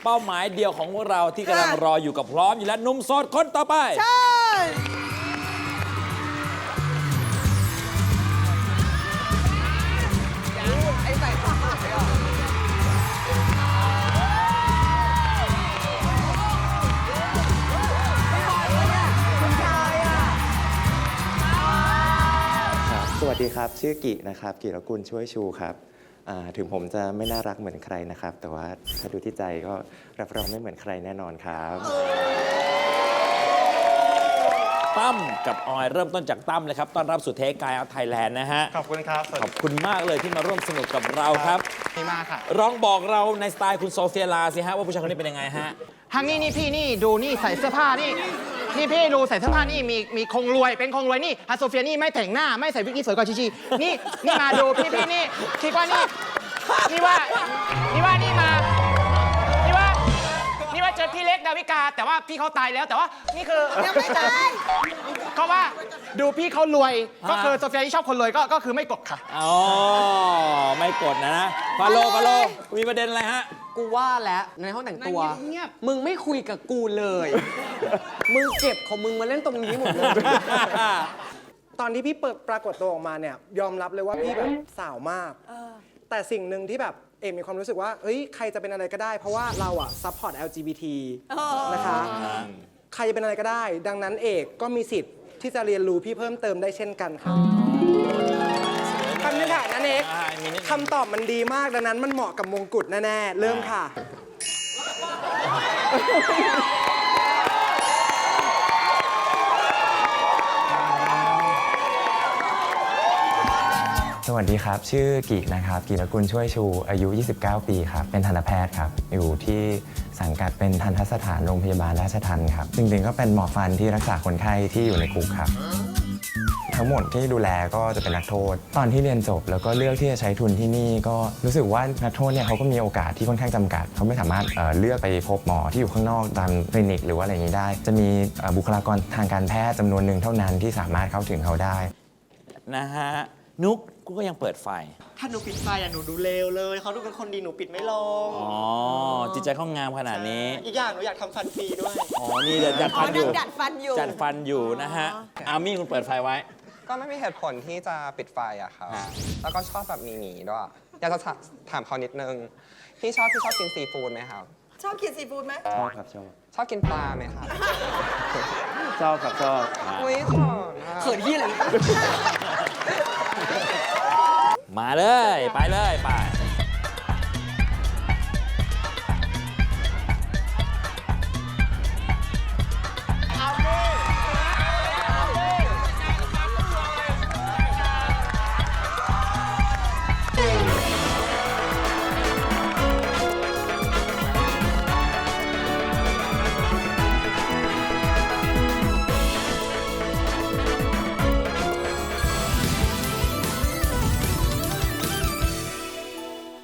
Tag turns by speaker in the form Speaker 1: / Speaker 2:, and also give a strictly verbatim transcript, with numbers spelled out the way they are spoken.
Speaker 1: เป้าหมายเดียวของพวกเราที่กำลังรออยู่กับพร้อมอยู่แล้วหนุ่มโสดคนต่อไป
Speaker 2: ใช่ไอ้ใส่ผ้าเลยอ่ะ
Speaker 3: สวัสดีครับชื่อกินะครับกิรกุลช่วยชูครับถึงผมจะไม่น่ารักเหมือนใครนะครับแต่ว่าถ้าดูที่ใจก็รับรองไม่เหมือนใครแน่นอนครับ
Speaker 1: ตั้มกับออยเริ่มต้นจากตั้มเลยครับต้อนรับสู่เทคกายเอาไทยแลนด์นะฮะ
Speaker 4: ขอบคุณครับ
Speaker 1: ขอบคุณมากเลยที่มาร่วมสนุกกับเราครับ
Speaker 4: ดีมากค่ะ
Speaker 1: ร้องบอกเราในสไตล์คุณโซเฟียลาสิฮะว่าผู้ชายคนนี้เป็นยังไงฮะ
Speaker 4: ทางนี้นี่พี่นี่ดูนี่ใส่เสื้อผ้านี่นี่พี่ดูใส่เสื้อผ้านี่มีมีคงรวยเป็นคงรวยนี่ฮัสโซเฟียนี่ไม่แต่งหน้าไม่ใส่วิกนี่สวยกว่าชีชีนี่นี่มาดูพี่พี่นี่คิดว่านี่นี่ว่านี่ว่านี่มานี่ว่านี่ว่าเจอพี่เล็กดาวิกาแต่ว่าพี่เขาตายแล้วแต่ว่านี่คือ
Speaker 2: ยังไม่ตาย
Speaker 4: เขาว่าดูพี่เขารวยก็คือโซเฟียที่ชอบคนรวยก็ก็คือไม่กดค่ะ
Speaker 1: อ๋อไม่กดนะนะฟาโลฟาโลมีประเด็นอะไรฮะ
Speaker 5: กูว่าแล้วในห้องแต่งตัวมึงไม่คุยกับกูเลย มึงเก็บของมึงมาเล่นตรงนี้หมดเลย
Speaker 6: ตอนที่พี่เปิดปรากฏตัวออกมาเนี่ยยอมรับเลยว่าพี่แบบสาวมากแต่สิ่งหนึ่งที่แบบเอมมีความรู้สึกว่าเฮ้ยใครจะเป็นอะไรก็ได้เพราะว่าเราอะซัพพอร์ต แอล จี บี ที นะคะใครจะเป็นอะไรก็ได้ ดังนั้นเอกก็มีสิทธิ์ที่จะเรียนรู้พี่เพิ่มเติมได้เช่นกันค่ะคำนี้ค่ะนั่นเองคำตอบมันดีมากดังนั้นมันเหมาะกับมงกุฎแน่ๆเริ่มค่ะ
Speaker 3: สวัสดีครับชื่อกินะครับกิรกุลช่วยชูอายุยี่สิบเก้าปีครับเป็นทันตแพทย์ครับอยู่ที่สังกัดเป็นทันตสถานโรงพยาบาลราชทัณฑ์ครับจริงๆก็เป็นหมอฟันที่รักษาคนไข้ที่อยู่ในคุกครับทั้งหมดที่ดูแลก็จะเป็นนักโทษตอนที่เรียนจบแล้วก็เลือกที่จะใช้ทุนที่นี่ก็รู้สึกว่านักโทษเนี่ยเขาก็มีโอกาสที่ค่อนข้างจำกัดเขาไม่สามารถ เอ่อ เลือกไปพบหมอที่อยู่ข้างนอกตามคลินิกหรือว่าอะไรอย่างนี้ได้จะมีบุคลากรทางการแพทย์จำนวนหนึ่งเท่านั้นที่สามารถเข้าถึงเขาได้
Speaker 1: นะฮะนุ๊กกูก็ยังเปิดไฟ
Speaker 7: ถ้าหนูปิดไฟอ่ะหนูดูเลวเลยเขาดูเป็นคนดีหนูปิดไม่ลง
Speaker 1: อ๋อจิตใจเขางามขนาดนี้
Speaker 7: อีกอย่างหนูอยากทำฟันฟรีด้วย
Speaker 1: อ๋อนี่เดี๋ยวจัดฟันอยู่
Speaker 2: จัดฟันอยู่
Speaker 1: จัดฟันอยู่นะฮะอามี่คุณเปิดไฟไว้
Speaker 8: ก็ไม่มีเหตุผลที่จะปิดไฟอะครับแล้วก็ชอบแบบหนีๆด้วยอยากจะถามเขานิดนึงพี่ชอบพี่ชอบกินซีฟู้ดไหมครับ
Speaker 2: ชอบกินซีฟู้ดไหม
Speaker 3: ชอบครับชอบ
Speaker 8: ชอบกินปลาไหมครับ
Speaker 3: ชอบครับชอบ
Speaker 8: อุ้ยขอน
Speaker 5: เขินที่อะไร
Speaker 1: มาเลยไปเลยไป